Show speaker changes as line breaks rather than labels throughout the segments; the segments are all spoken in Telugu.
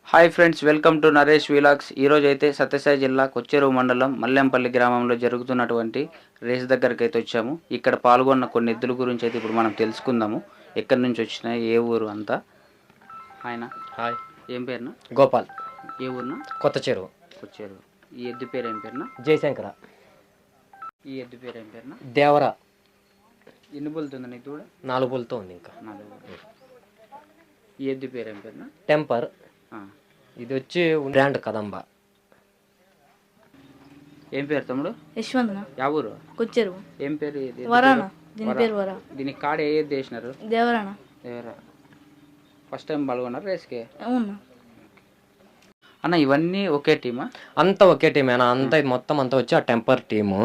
Hi friends, welcome to Naresh vlogs. ఈరోజు అయితే సత్యసాయి జిల్లా కొచ్చేరువు మండలం మల్లెంపల్లి గ్రామంలో జరుగుతున్నటువంటి రేస్ దగ్గరికి అయితే వచ్చాము. ఇక్కడ పాల్గొన్న కొన్ని ఎద్దుల గురించి అయితే ఇప్పుడు మనం తెలుసుకుందాము. ఎక్కడి నుంచి వచ్చినాయి, ఏ ఊరు అంతా. ఆయన
హాయ్,
ఏం పేరునా?
గోపాల్.
ఏ ఊరునా?
కొత్త చెరువు.
కొచ్చేరువు. ఈ ఎద్దు పేరు ఏం పేరునా?
జయశంకర.
ఈ ఎద్దు పేరు ఏం పేరునా?
దేవరా.
ఎన్ని బుల్తుంది నీకు కూడా?
4 బుల్తో ఉంది ఇంకా.
4. ఈ ఎద్దు పేరు ఏం పేరునా?
టెంపర్. ఇది వచ్చి బ్రాండ్ కదంబ.
ఏం పేరు తమ్ముడు?
యశ్వంత్.
యా ఊరు?
కొచ్చేరువు.
ఏం పేరు ఇది?
వరానా. దీని పేరు వరా.
దీనికి కాడ ఏ ఎద్దు వేసినారు?
దేవరానా.
దేవరా. ఫస్ట్ టైం పాల్గొన్నారు రేస్కి?
అవునా
అన్న, ఇవన్నీ ఒకే టీమా?
అంతా ఒకే టీమేనా? అంతా ఇది మొత్తం అంతా వచ్చి ఆ టెంపర్ టీము.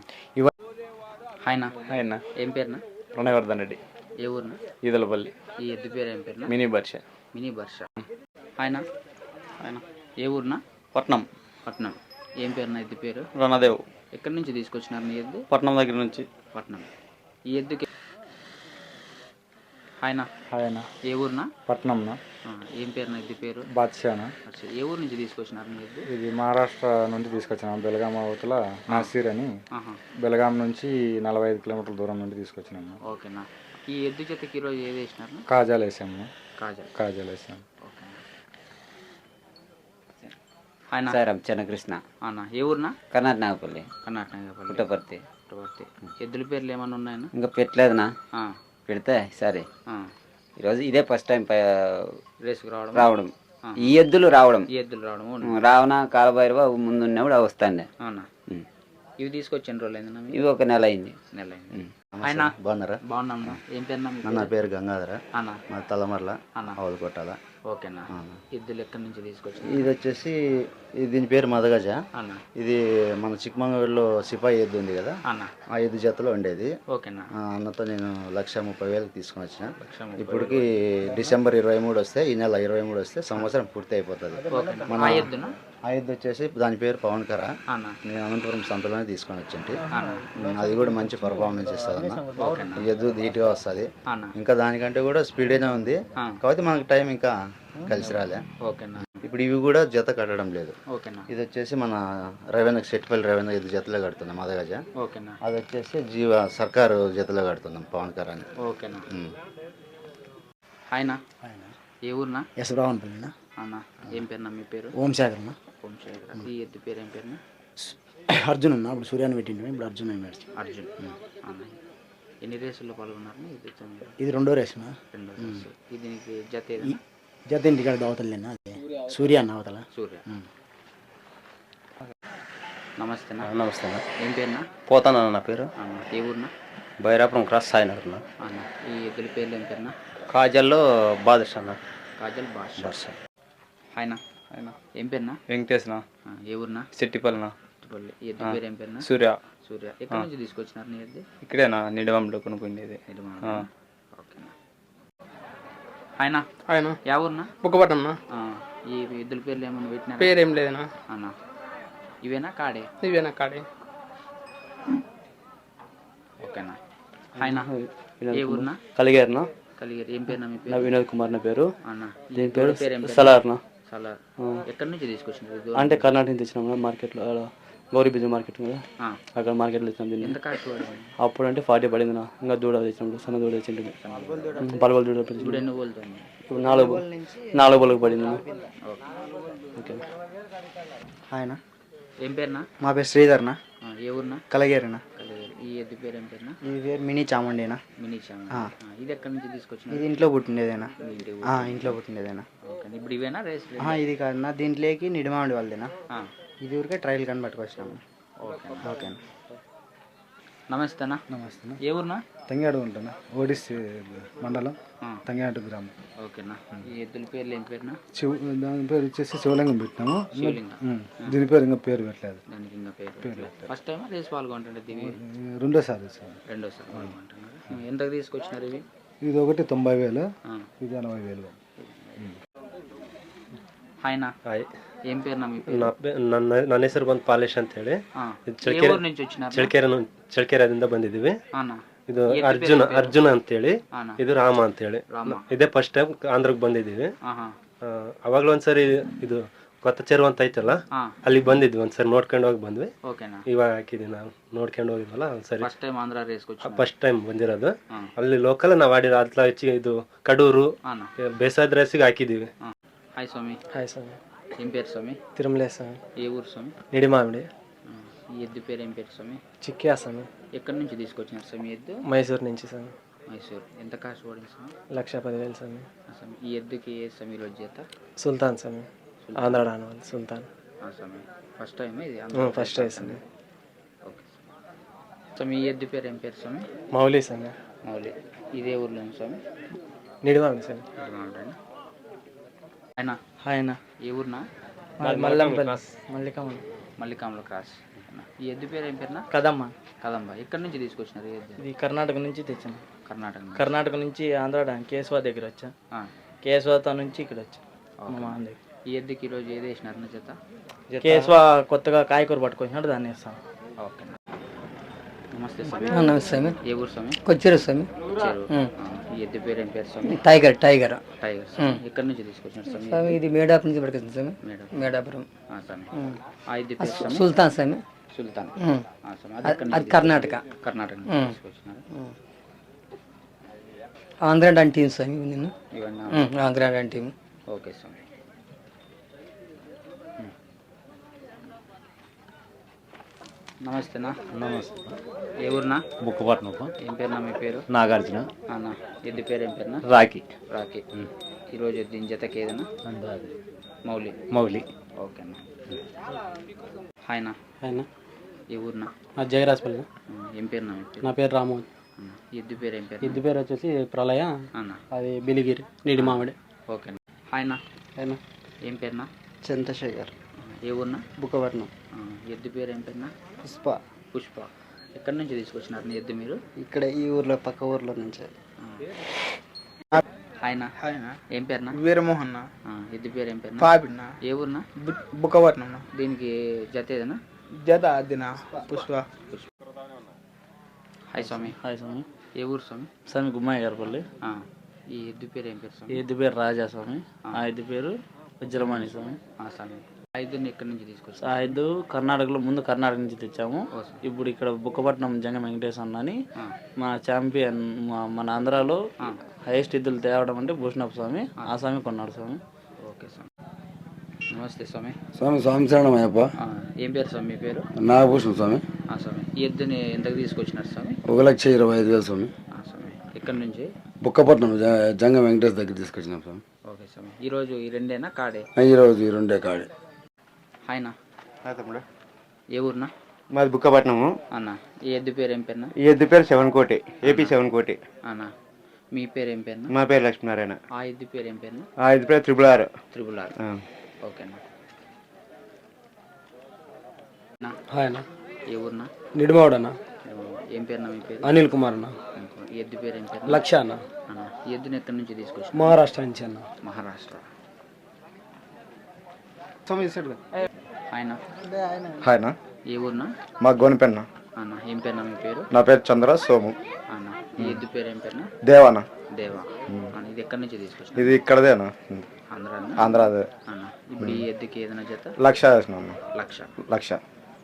ఆయన ఏం పేరునా?
ప్రణయవర్ధన్ రెడ్డి.
ఏ ఊరునా?
ఈదలపల్లి.
ఈ ఎద్దు పేరు ఏం పేరునా?
మినీ బర్ష.
మినీ బర్ష. ఆయన ఏ ఊరునా?
పట్నం.
పట్నం. ఏం పేరునా ఎద్దు పేరు?
రణదేవ్.
ఎక్కడి నుంచి తీసుకొచ్చినారు నీ ఎద్దు?
పట్నం దగ్గర నుంచి.
పట్నం. ఈ ఎద్దుకి ఆయన
ఆయన
ఏ ఊరునా?
పట్నంనా.
ఏం పేరునా ఎద్దు పేరు?
బాద్షానా.
ఏ ఊరు నుంచి తీసుకొచ్చినారు నీ ఎద్దు?
ఇది మహారాష్ట్ర నుండి తీసుకొచ్చినాం. బెలగాం అవతల నాసీర్ అని. బెలగాం నుంచి 45 కిలోమీటర్ల దూరం నుండి తీసుకొచ్చినాము.
ఓకేనా. ఈ ఎద్దు జతకి ఈరోజు ఏది వేసినారు?
కాజాలు వేసాము.
కాజాలు
వేసాము.
ఆయన
సారం చెన్నకృష్ణ.
అన్న ఏ ఊరునా?
కర్ణాటకపల్లి.
కర్ణాటక.
పుట్టపర్తి.
ఎద్దుల పేర్లు ఏమన్నా ఉన్నాయన్నా?
ఇంకా పెట్టలేదునా, పెడితే సరే. ఈరోజు ఇదే ఫస్ట్ టైం
రేసుకు
రావడం. ఈ ఎద్దులు రావడం.
ఈ ఎద్దులు రావడం.
రావణ కాలభైరవ ముందున్నప్పుడు వస్తాండే.
అవునా. ఇవి తీసుకొచ్చిన రోజులు అయిందన్నా?
ఇవి ఒక నెల అయింది.
ఆయన
బాగున్నారా?
బాగున్నాం. ఏం పేరు?
నా పేరు గంగాధర.
అన్న
మా తలమర్ల
అన్న
ఆవులు కొట్టాల.
ఓకేనా. ఎద్దులు ఎక్కడి నుంచి తీసుకొచ్చిన?
ఇది వచ్చేసి దీని పేరు మదగజ.
అన్న
ఇది మన చిక్కమంగళూరులో సిపాయి ఎద్దు ఉంది కదా,
అన్న
ఆ ఎద్దు జతలో ఉండేది.
ఓకేనా.
అన్నతో నేను 1,30,000 తీసుకొని వచ్చిన. ఇప్పటికి డిసెంబర్ 23 వస్తే, ఈ నెల 23 వస్తే సంవత్సరం పూర్తి అయిపోతుంది. మన ఆ ఎద్దు వచ్చేసి దాని పేరు పవన్కర. నేను అనంతపురం సంతలోనే తీసుకొని వచ్చింటి. అది కూడా మంచి పర్ఫార్మెన్స్ ఇస్తుంది అన్న. ఈ ఎద్దు ధీటుగా వస్తుంది. ఇంకా దానికంటే కూడా స్పీడేనే ఉంది, కాబట్టి మనకి టైం ఇంకా కలిసి రాలే. ఇప్పుడు ఇవి కూడా జత కట్టడం లేదు. ఇది వచ్చేసి మన రవీంద్ర సెట్టిపల్లి రవీంద్ర ఎద్దు జతలో కడుతున్నాం మదగజ. అది వచ్చేసి జీవ సర్కారు జతలో కడుతున్నాం పవన్కర అని.
ఆయన ఏ ఊరునా?
యశ్వరావన్పల్లినా.
అన్న ఏం పేరునా మీ పేరు?
ఓంశేఖరన్నా.
ఓంశేఖర్. ఈ ఎద్దు పేరు ఏం పేరునా?
అర్జున్ అన్న. ఇప్పుడు సూర్యాన్ని పెట్టిండు, ఇప్పుడు అర్జున్ అన్నాడు.
అర్జున్. అన్న ఎన్ని రేసుల్లో పాల్గొన్నారు?
ఇది 2వ రేసునా?
2వ రేసు. ఇది దీనికి జత ఏదైనా?
జత ఇంటికాడ అవతలేనా? సూర్య అన్న అవతల.
సూర్య. నమస్తే.
నమస్తే.
ఏం పేరునా?
పోతానా నా పేరు?
అన్న ఏ ఊరునా?
బైరాపురం క్రాస్ సాయినగర్.
అన్న ఈ ఎద్దుల పేర్లు ఏం పేరునా?
కాజల్లో బాదుషా అన్న.
కాజల్ బాషా. ఆయన ఏం పేరునా?
వెంకటేశ్నా.
ఏ ఊరునా?
సెట్టిపల్లినా.
ఈ ఎద్దు పేరు ఏం పేరునా?
సూర్య.
సూర్య. ఎక్కడి నుంచి తీసుకొచ్చినారు నీ ఎద్దు?
ఇక్కడేనా, నిడవంలో కొనుక్కుండేది.
ఓకేనా. ఆయన
ఆయన
యా ఊరునా?
బుక్కపట్నం.
ఈ ఎద్దుల పేర్లు ఏమన్నా పెట్టినా?
పేరేం లేదనా
అన్న. ఇవేనా కాడే?
ఇవేనా కాడే.
ఓకేనా. ఆయన ఏ ఊరునా?
కలిగారునా.
కలిగారు. ఏం పేరునా మీ పేరు?
వినోద్ కుమార్ నా పేరు.
అన్న
దీని పేరు
పేరు
సలార్నా.
సలార్. ఎక్కడి నుంచి తీసుకొచ్చినారు?
అంటే కర్ణాటక నుంచి తెచ్చినాం మార్కెట్లో, గౌరీ బిజీ మార్కెట్ కదా, అక్కడ మార్కెట్లో తెచ్చినాం దీన్ని.
ఎంత కాస్ట్ పడింది?
అప్పుడు అంటే 40 పడింది నా. ఇంకా దూడ తెచ్చినప్పుడు సన్న దూడ తెచ్చింది. పలువల దూడ
ఇప్పుడు ఎన్ని పోలుతుంది?
ఇప్పుడు 4 బొలకు పడింది. ఓకే.
ఆయన
ఏం పేరునా?
మా పేరు శ్రీధర్నా.
ఏ ఊరునా?
కలగేరినా.
ఈ ఎద్దు పేరు ఏం పేరునా?
ఈ పేరు మినీ చాముండేనా.
మినీ చామంతి. ఇది ఎక్కడి నుంచి తీసుకొచ్చిన?
ఇది ఇంట్లో పుట్టిండేదేనా. ఇంట్లో పుట్టిండేదేనా.
ఇప్పుడు ఇవేనా రేస్?
ఇది కాదన్నా, దీంట్లోకి నిడిమామిడి వాళ్ళదేనా. ఇది ఊరికే ట్రయల్ కని పట్టుకొచ్చినాము. ఓకేనా.
నమస్తేనా.
నమస్తే.
ఏ ఊరునా?
తంగాడు ఉంటానా, ఓడిసి మండలం, తంగాడు గ్రామం.
ఓకేనా. ఈ ఎద్దుల పేర్లు ఏం పేరునా?
దాని పేరు వచ్చేసి శివలింగం పెట్టినాము.
శివలింగం.
దీని పేరు ఇంకా పేరు పెట్టలేదు.
దానికి ఇంకా పేరు. ఫస్ట్ టైం రేస్ పాల్గొంటుండే?
రెండోసారి
పాల్గొంటున్నారు. ఎంతకు తీసుకొచ్చినారు ఇవి?
ఇది ఒకటి 90,000, ఇది 80,000.
ఆయన ఏం పేరు?
ನನ್ನ ಹೆಸರು ಬಂದು ಪಾಲೇಶ್ ಅಂತ ಹೇಳಿ. ಚಳ್ಕೆರೆದಿಂದ ಬಂದಿದ್ದೀವಿ. ಇದು ಅರ್ಜುನ ಅಂತೇಳಿ, ಇದು ರಾಮ ಅಂತೇಳಿ. ಇದೇ ಫಸ್ಟ್ ಟೈಮ್ ಆಂಧ್ರಕ್ಕೆ ಬಂದಿದ್ದೀವಿ.
ಅವಾಗಲೂ ಒಂದ್ಸರಿ ಇದು ಕೊತ್ತ ಚೆರುವು ಅಂತ ಐತಲ್ಲ,
ಹಾಂ
ಅಲ್ಲಿಗೆ ಬಂದಿದ್ವಿ ಒಂದ್ಸರಿ ನೋಡ್ಕೊಂಡು ಹೋಗಿ ಬಂದ್ವಿ.
ಓಕೆನಾ.
ಇವಾಗ ಹಾಕಿದ್ವಿ ನಾವು ನೋಡ್ಕೊಂಡು ಹೋಗಿದ್ವಲ್ಲ ಒಂದ್ಸರಿ,
ಫಸ್ಟ್ ಟೈಮ್ ಆಂಧ್ರ ರೇಸ್ಗೆ వచ్చి
ಫಸ್ಟ್ ಟೈಮ್ ಬಂದಿರೋದು.
ಹಾಂ
ಅಲ್ಲಿ ಲೋಕಲ್ ನಾವು ಆಡಿರೋ ಅತ್ಲ ಹೆಚ್ಚಿಗೆ ಇದು ಕಡೂರು
ಹಾಂ
ಬೇಸಾದ ರೇಸಿಗೆ ಹಾಕಿದ್ದೀವಿ.
ಹಾಂ. హాయ్ స్వామి.
హాయ్ స్వామి.
ఏం పేరు స్వామి?
తిరుమలే స్వామి.
ఏ ఊరు స్వామి?
నిడిమామిడి.
ఈ ఎద్దు పేరు ఏం పేరు స్వామి?
చిక్కియా స్వామి.
ఎక్కడి నుంచి తీసుకొచ్చినారు స్వామి ఎద్దు?
మైసూరు నుంచి స్వామి.
మైసూర్. ఎంత కాస్ట్ పడింది స్వామి?
1,10,000 స్వామి.
స్వామి ఈ ఎద్దుకి ఏ స్వామి ఈరోజు చేత?
సుల్తాన్ స్వామి. ఆంధ్ర రానవాళ్ళు సుల్తాన్.
స్వామి ఫస్ట్ టైం ఇది?
ఫస్ట్ టైం స్వామి.
ఓకే స్వామి. ఈ ఎద్దు పేరు ఏం పేరు స్వామి?
మౌలి స్వామి.
మౌలి. ఇదే ఊర్లో స్వామి?
నిడిమామిడి స్వామి.
ఆయన
ఆయన
ఏ ఊరినా?
మల్లికమ్మ.
మల్లికాంలో క్రాస్. ఈ ఎద్దు పేరు ఏం పేరునా?
కదమ్మ.
కదంబా. ఎక్కడి నుంచి తీసుకొచ్చినారు ఈ ఎద్దు?
ఇది కర్ణాటక నుంచి తెచ్చాను.
కర్ణాటక నుంచి.
కర్ణాటక నుంచి ఆంధ్ర కేశవా దగ్గర వచ్చా.
ఆ.
కేశవా నుంచి ఇక్కడ వచ్చా.
ఈ ఎద్దుకి ఈరోజు ఏది వేసినారు నా చేత?
కేశవా కొత్తగా కాయకూర పట్టుకొచ్చినాడు, దాన్ని వేస్తాం.
ఓకే. నమస్తే స్వామి.
నమస్తే స్వామి.
ఏ ఊరు స్వామి?
కొచ్చేరు స్వామి.
చెరువు. ఈ ఎద్దు పేరు ఏం పేరు స్వామి?
టైగర్.
టైగర్ స్వామి. ఎక్కడి నుంచి తీసుకొచ్చినారు స్వామి?
స్వామి ఇది మేడాపురం నుంచి పడుతుంది స్వామి. మేడాపురం.
స్వామి. ఆ ఎద్దు పేరు స్వామి?
సుల్తాన్ స్వామి.
సుల్తాన్. స్వామి.
అది కర్ణాటక.
కర్ణాటక నుంచి తీసుకొచ్చినారు.
ఆంధ్ర డాన్ టీం స్వామి. నిన్ను
ఇవన్నీ
ఆంధ్ర డాన్ టీం.
ఓకే స్వామి. నమస్తేనా.
నమస్తే.
ఏ ఊరునా?
బుక్కపట్నం.
ఏం పేరునా మీ పేరు?
నాగార్జున.
అన్న ఎద్దు పేరు ఏం పేరునా?
రాకి.
రాకి. ఈరోజు దీని జతకి ఏదైనా? మౌలి.
మౌలి.
ఓకేనా. హాయ్నా.
ఆయన
ఏ ఊరునా?
జయరాజపల్లి.
ఏం పేరునా మీ పేరు?
నా పేరు రామోహన్.
ఎద్దు పేరు ఏం పేరు?
ఇద్దు పేరు వచ్చేసి ప్రళయ.
అన్న
అది బిలిగిరి నీడి మామిడి.
ఓకేనా. హాయ్నా.
ఆయన
ఏం పేరునా?
చంద్రశేఖర్.
ఏ ఊరునా?
బుక్కపట్నం.
ఎద్దు పేరు ఏం పేరునా?
పుష్ప.
పుష్ప. ఎక్కడి నుంచి తీసుకొచ్చినారు నీ ఎద్దు మీరు?
ఇక్కడ ఈ ఊర్లో పక్క ఊర్లో నుంచి.
హాయ్నా. ఏం పేరునా?
వీరమోహన్.
ఎద్దు పేరు ఏం పేరునా?
పాపిన్న.
ఏ ఊరునా?
బుక్కపట్నం.
దీనికి జత ఏదైనా?
జత అదిన పుష్ప.
హాయ్ స్వామి.
హాయ్ స్వామి.
ఏ ఊరు స్వామి?
స్వామి గుమ్మాయి గారిపల్లి.
ఈ ఎద్దు పేరు ఏం పేరు స్వామి?
ఈ ఎద్దు పేరు రాజా స్వామి. ఆ ఎద్దు పేరు వజ్రమాణి స్వామి.
స్వామి. ఆ ఎద్దుని ఎక్కడి నుంచి తీసుకొచ్చారు?
ఆ ఎద్దు కర్ణాటకలో ముందు కర్ణాటక నుంచి తెచ్చాము. ఇప్పుడు ఇక్కడ బుక్కపట్నం జంగ వెంకటేశ్ అన్నని మన ఛాంపియన్ మన ఆంధ్రాలో హైయెస్ట్ ఎద్దులు తేవడం అంటే భూషణప్ప స్వామి. ఆ స్వామి కొన్నాడు స్వామి.
ఓకే స్వామి. నమస్తే స్వామి.
స్వామి స్వామిశరణమయ్యప్ప.
ఏం పేరు స్వామి మీ పేరు?
నాగభూషణం స్వామి.
స్వామి. ఈ ఎద్దుని ఎంతకు తీసుకొచ్చినారు స్వామి?
1,25,000 స్వామి.
స్వామి. ఎక్కడి నుంచి?
బుక్కపట్నం జంగ వెంకటేష్ దగ్గర తీసుకొచ్చినాం స్వామి.
ఓకే స్వామి. ఈరోజు ఈ రెండేనా కాడే?
ఈరోజు ఈ రెండే కాడే.
హాయ్నా.
తమ్ముడు.
ఏ ఊరునా?
మాది బుక్కపట్నము.
అన్న ఈ ఎద్దు పేరు ఏం పేరునా?
ఈ ఎద్దు పేరు శవన్కోటి. ఏపీ శవన్కోటి.
అన్న మీ పేరు ఏం పేరునా?
మా పేరు లక్ష్మీనారాయణ.
ఆ ఎద్దు పేరు ఏం పేరునా?
ఆ ఎద్దు పేరు త్రిబుల్
ఆర్. ఓకేనా.
ఆయన
ఏ ఊరునా?
నిడిమావుడన్న.
ఏం పేరునా మీ పేరు?
అనిల్ కుమార్ అన్న.
ఈ ఎద్దు పేరు ఏం పేరు?
లక్ష అన్న.
ఈ ఎద్దుని ఎక్కడి నుంచి తీసుకొచ్చి?
మహారాష్ట్ర నుంచి అన్న.
మహారాష్ట్ర. ఆయన
హాయ్నా.
ఏ ఊరునా?
మా గోనిపెన్న.
అన్న ఏం పేరునా మీ పేరు?
నా పేరు చంద్ర సోము.
అన్న ఈ ఎద్దు పేరు ఏం పేరునా?
దేవానా.
దేవా. అన్న ఇది ఎక్కడి నుంచి తీసుకొచ్చి?
ఇది ఇక్కడదేనా?
ఆంధ్రానా?
ఆంధ్రాదే.
అన్న ఇప్పుడు ఈ ఎద్దుకి ఏదైనా జత?
1,00,000 వేసిన.
లక్ష.
1,00,000.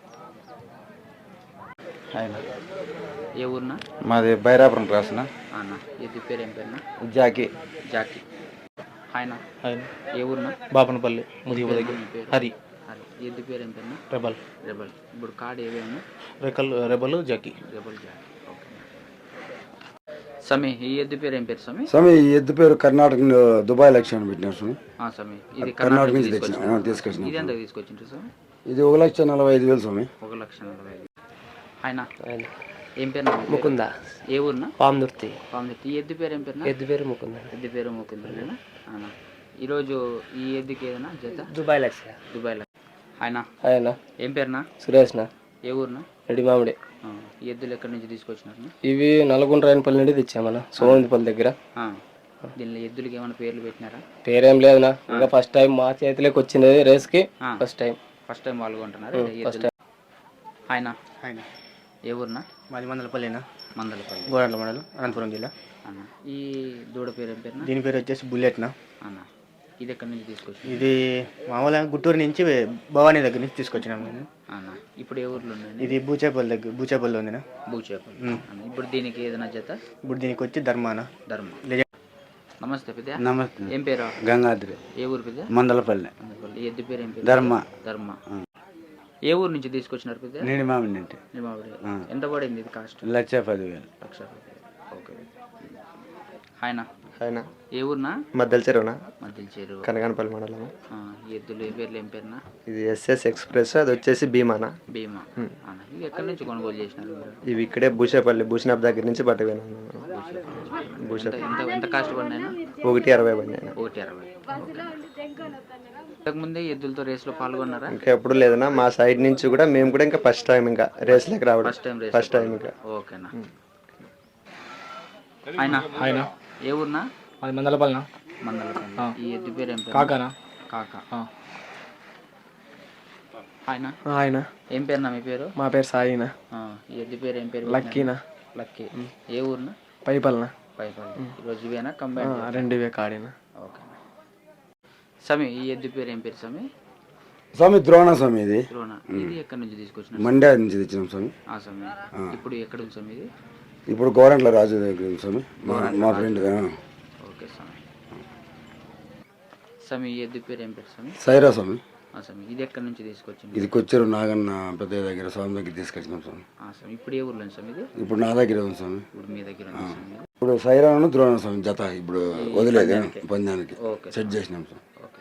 ఏ ఊరునా?
మాది బైరాపురం రాసిన.
అన్న ఎద్దు పేరు ఏం పేరునా?
జాకి.
జాకి. ఆయన ఏ ఊరునా?
బాపనపల్లి.
మీ పేరు?
హరి.
హరి. ఈ ఎద్దు పేరు ఏం పేరునా?
రెబల్.
రెబల్. ఇప్పుడు కార్డు ఏవేమో?
Rebel Jackie.
Rebel Jackie. Okay స్వామి. ఈ ఎద్దు పేరు ఏం పేరు స్వామి?
స్వామి ఈ ఎద్దు పేరు కర్ణాటక దుబాయ్ లక్ష్యాన్ని పెట్టినారు స్వామి.
స్వామి ఇది
కర్ణాటక నుంచి
తీసుకొచ్చిన.
తీసుకొచ్చిన.
ఇది ఎంత తీసుకొచ్చిండ్రు స్వామి?
ఇది 1,45,000 స్వామి.
1,45,000. ఆయన ఏం పేరు?
ముకుంద.
ఏ ఊరునా?
పామదుర్తి.
పామదుర్తి. ఈ ఎద్దు పేరు ఏం పేరునా?
ఎద్దు పేరు ముకుంద.
ఎద్దు పేరు ముకుందనేనా? ఈరోజు ఈ ఎద్దుకి ఏదైనా జత?
దుబాయ్ లక్ష.
దుబాయ్లో. ఆయన
ఆయన
ఏం పేరునా?
సురేష్న.
ఏ ఊరునా?
రెడ్డి మామిడి.
ఈ ఎద్దులు ఎక్కడి నుంచి తీసుకొచ్చినారు?
ఇవి నల్గొండ రాయనపల్లి నుండి తెచ్చామన్న, సోమందిపల్లి దగ్గర.
దీనిలో ఎద్దులకి ఏమైనా పేర్లు పెట్టినారా?
పేరేం లేదునా, ఇంకా ఫస్ట్ టైం మా చేతిలోకి వచ్చినది రేస్కి. ఫస్ట్ టైం
పాల్గొంటున్నారు. ఆయన ఏ ఊరునా?
మాది మందలపల్లినా.
మందలపల్లి.
గోరంట్ల మండలం, అనంతపురం జిల్లా.
అన్న ఈ దూడ పేరు ఏం పేరునా?
దీని పేరు వచ్చేసి బుల్లెట్నా.
అన్న ఇది ఎక్కడి నుంచి తీసుకొచ్చి
ఇది మామూలుగా గుంటూరు నుంచి భవానీ దగ్గర నుంచి తీసుకొచ్చినాము నేను.
అన్న ఇప్పుడు ఏ ఊర్లో ఉన్నాయి
ఇది బూచేపల్లి ఉందినా.
భూచేపల్లి అన్న. ఇప్పుడు దీనికి ఏదైనా జత
ఇప్పుడు దీనికి వచ్చి ధర్మాన.
నమస్తే పెద్ద.
నమస్తే.
ఏం పేరు?
గంగాద్రి,
ఏ ఊరు పెద్ద?
మందలపల్లి,
ఈ ఎద్దు పేరు ఏం పేరు?
ధర్మ.
ధర్మ. ఏ ఊరు నుంచి తీసుకొచ్చినారు పెద్ద?
నీడి మామిడి నుండి
నిమావిడి. ఎంత పడింది ఇది కాస్ట్?
1,10,000.
లక్ష. ఓకే. హాయ్నా.
ఆయన
ఏ ఊరునా?
మద్దెల చెరువునా,
మధ్య చెరువు.
కనగానపల్లి మండలం.
ఈ ఎద్దులు ఏ పేర్లు ఏం పేరునా?
ఇది ఎస్ఎస్ ఎక్స్ప్రెస్, అది వచ్చేసి భీమానా.
భీమా. అన్న ఇవి ఎక్కడి నుంచి కొనుగోలు చేసినారు మీరు?
ఇవి ఇక్కడే భూషణాప్ దగ్గర నుంచి పట్టుకున్నాను.
ఎంత కాస్ట్ పడినాయినా?
1.60 పడినాయి.
1.60. ఇంతకుముందే ఎద్దులతో రేస్లో పాల్గొన్నారా?
ఇంకా ఎప్పుడు లేదన్నా, మా సైడ్ నుంచి కూడా మేము కూడా ఇంకా ఫస్ట్ టైం ఇంకా రేస్లోకి రావడం. ఫస్ట్ టైం ఇంకా.
ఓకేనా. ఆయన ఏ ఊరునా?
అది మందలపల్లినా.
మందలపల్లి. ఈ ఎద్దు పేరు ఏం పేరు?
కాకానా.
కాకా. ఆయన
ఆయన
ఏం పేరునా మీ పేరు?
మా పేరు సాయినా.
ఈ ఎద్దు పేరు ఏం పేరు?
లక్కీనా.
లక్కీ. ఏ ఊరునా?
పైపల్నా.
పైపల్లి. ఈరోజు ఇవేనా కంబైన్?
2 కాడినా.
ఓకే. స్వామి ఈ ఎద్దు పేరు ఏం పేరు స్వామి?
స్వామి ద్రోణ స్వామి, ఇది
ద్రోణ. ఇది ఎక్కడి నుంచి తీసుకొచ్చిన?
మండ్యా నుంచి తెచ్చినాం స్వామి.
ఆ స్వామి. ఇప్పుడు ఎక్కడ ఉంది స్వామి ఇది?
ఇప్పుడు గోరంట్ల రాజు దగ్గర ఉంది స్వామి, మా ఫ్రెండ్.
ఓకే స్వామి. స్వామి ఈ ఎద్దు పేరు ఏం పేరు స్వామి?
సైరా స్వామి.
స్వామి ఇది ఎక్కడి నుంచి తీసుకొచ్చింది?
ఇది కొచ్చేరు నాగన్న పెద్దయ్య దగ్గర స్వామి దగ్గర తీసుకొచ్చినాం స్వామి.
స్వామి ఇప్పుడు ఏ ఊర్లో ఉంది స్వామి ఇది?
ఇప్పుడు నా దగ్గర ఉంది స్వామి.
ఇప్పుడు మీ దగ్గర ఉంది స్వామి.
ఇప్పుడు సైరాను ద్రోణ స్వామి జత ఇప్పుడు వదిలేదు పందానికి
ఓకే.
సెట్ చేసినాం స్వామి.
ఓకే.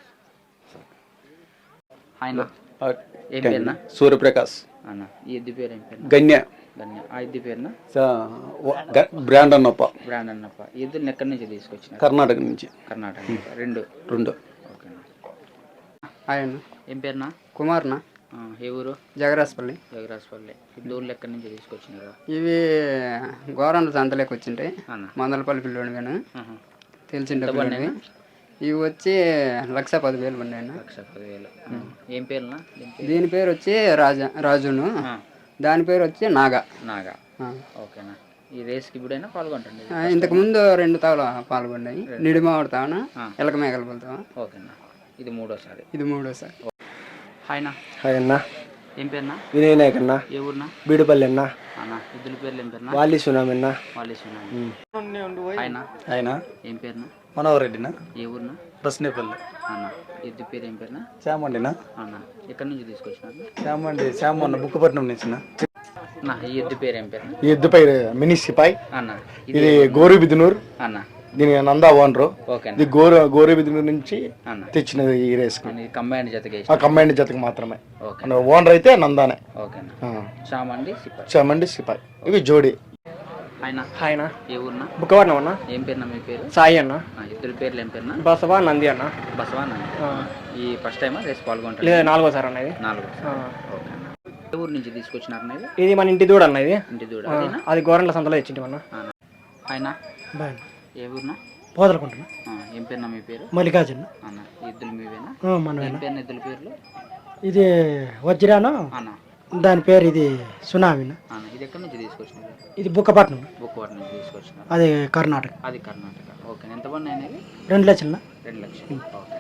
ఆయన ఏం పేరునా?
సూర్యప్రకాష్.
అన్న ఈ ఎద్దు పేరు ఏం పేరు?
గన్య.
ధన్య. ఆ ఎద్దు పేరునా?
బ్రాండ్ అన్నప్ప.
బ్రాండ్ అన్నప్ప. ఈ ఎద్దుని ఎక్కడి నుంచి తీసుకొచ్చిన?
కర్ణాటక నుంచి.
కర్ణాటక. రెండు. ఓకేనా.
ఆయన
ఏం పేరునా?
కుమార్నా.
ఏ ఊరు?
జగరాజపల్లి.
జగరాజపల్లి. ఈ ఊర్లో ఎక్కడి నుంచి తీసుకొచ్చినారు?
ఇవి గోరంట్ల సంతలోకి వచ్చింటాయి.
అన్న
మందలపల్లి పిల్లోడు కానీ తెలిసిండే
ఎంత
పిల్లోడివి. ఇవి వచ్చి 1,10,000 పడినాయి.
1,10,000. ఏం పేరునా?
దీని పేరు వచ్చి రాజును, దాని పేరు వచ్చి నాగా.
నాగా. ఓకేనా. ఈ రేస్కి ఇప్పుడైనా పాల్గొంటండి?
ఇంతకు ముందు 2 తావులు పాల్గొన్నాయి. నిడిమావిడి తావన, ఎలక మేకల తావ.
ఓకేనా. ఇది మూడోసారి.
ఇది మూడోసారి.
హాయ్నా.
హాయ్ అన్న.
ఏం పేరునా?
వినయ్ నాయక్ అన్న.
ఏ ఊరునా?
బీడుపల్లి అన్న.
అన్న ఇద్దరు పేర్లు ఏం పేరునా?
వాలి సునామీ అన్న.
హాయ్నా.
ఆయన
ఏం పేరునా?
మనోహర్ రెడ్డినా.
ఏ ఊరునా?
బస్నేపల్లి.
అన్న ఎద్దు పేరు ఏం పేరునా?
చామండినా.
అన్న ఎక్కడి నుంచి తీసుకొచ్చినారు?
చామన్న బుక్కపట్నం నుంచి.
అన్న ఈ ఎద్దు పేరు ఏం పేరునా?
ఈ ఎద్దు పై మినీ సిపాయి.
అన్న
ఇది గోరుబిదునూర్.
అన్న
దీని నందా ఓనరు.
ఓకే.
ఇది గోరుబిదునూర్ నుంచి
అన్న
తెచ్చినది ఈ రేస్ కి.
కంబైన్ జతకి.
ఆ కంబైండ్ జతకి మాత్రమే.
ఓకే.
ఓనర్ అయితే నందానే.
ఓకేనా. చామండి సిపాయి.
చామండి సిపాయి. ఇవి జోడి.
ఆయన
ఆయన
ఏ ఊరునా?
బుక్కవర్ణం అన్న.
ఏం పేరునా మీ పేరు?
సాయి అన్న.
ఇద్దరు పేర్లు ఏం పేరునా?
బసవా నంది అన్న.
బసవా నంది. ఈ ఫస్ట్ టైమా రేస్ పాల్గొంటారు?
లేదా 4వ సారి అన్న ఇది.
4. ఓకే. ఏ ఊరు నుంచి తీసుకొచ్చినారు అన్న ఇది?
ఇది మన ఇంటి దూడ అన్న. ఇది
ఇంటి దూడ.
అది గోరంట్ల సంతలో తెచ్చింటి అన్న.
ఆయన ఏ ఊరునా?
పోదలుకుంటున్నా.
ఏం పేరునా మీ పేరు?
మల్లికార్జున
అన్న ఎద్దులు మీవేనా?
మన
ఏం పేరు ఎద్దుల పేర్లు?
ఇది వజ్రాను,
అన్న
దాని పేరు ఇది సునామీన.
అన్న ఇది ఎక్కడి నుంచి తీసుకొచ్చినారు?
ఇది బుక్కపట్నం,
బుక్కవాడ నుంచి తీసుకొచ్చినారు.
అది కర్ణాటక.
అది కర్ణాటక. ఓకే. ఎంత పడిన అనేది?
2 లక్షల.
2 లక్షలు. ఓకే.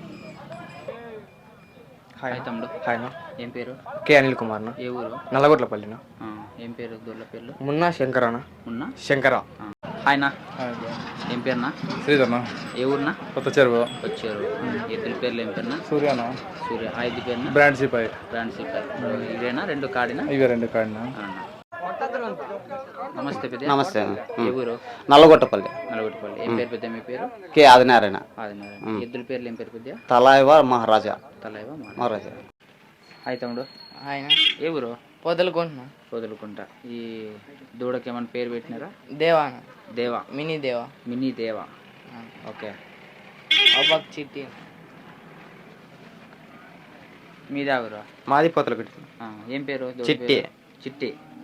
హాయ్ తమ్ముడు.
హాయ్.
ఏం పేరు?
కే అనిల్ కుమార్.
ఏ ఊరు?
నల్లగొట్లపల్లిన.
ఏం పేరు దూర్ల పేర్లు?
మున్నా శంకరన.
ఉన్నా
శంకర.
హాయ్నా. ఏం పేరునా?
శ్రీధర్న.
ఏ ఊరునా?
కొత్త చెరువు.
వచ్చారు. ఎద్దుల పేర్లు ఏం పేరునా?
సూర్యాన.
సూర్య. ఆ ఎద్దు పేరునా?
బ్రాండ్ సిపాయి.
బ్రాండ్ సిపాయి. ఇవేనా 2 కాడినా?
ఇవి 2 కాడినా.
నమస్తే పెద్ద.
నమస్తే.
ఏ ఊరు?
నల్లగొట్టపల్లి.
నలగొట్టుపల్లి. ఏం పేరు పెద్ద మీ పేరు?
కే ఆదినారాయణ.
ఆదినారాయణ. ఎద్దుల పేర్లు ఏం పేరు పెద్ద?
తలైవ మహారాజా.
తలైవ
మహారాజా.
హాయ్ తమ్ముడు.
ఆయన
ఏ ఊరు?
పొదలుకుంటున్నా.
వదులుకుంటా. ఈ దూడకి ఏమైనా పేరు పెట్టినారా?
దేవా.
దేవా.
మినీ దేవా.
మినీ దేవా. ఓకే.
అబ్బాక్ చిట్టి.
మీదా ఊరు?
మాది పోతలగడ్డి.
ఏం పేరు?
చిట్టి.
చిట్టి.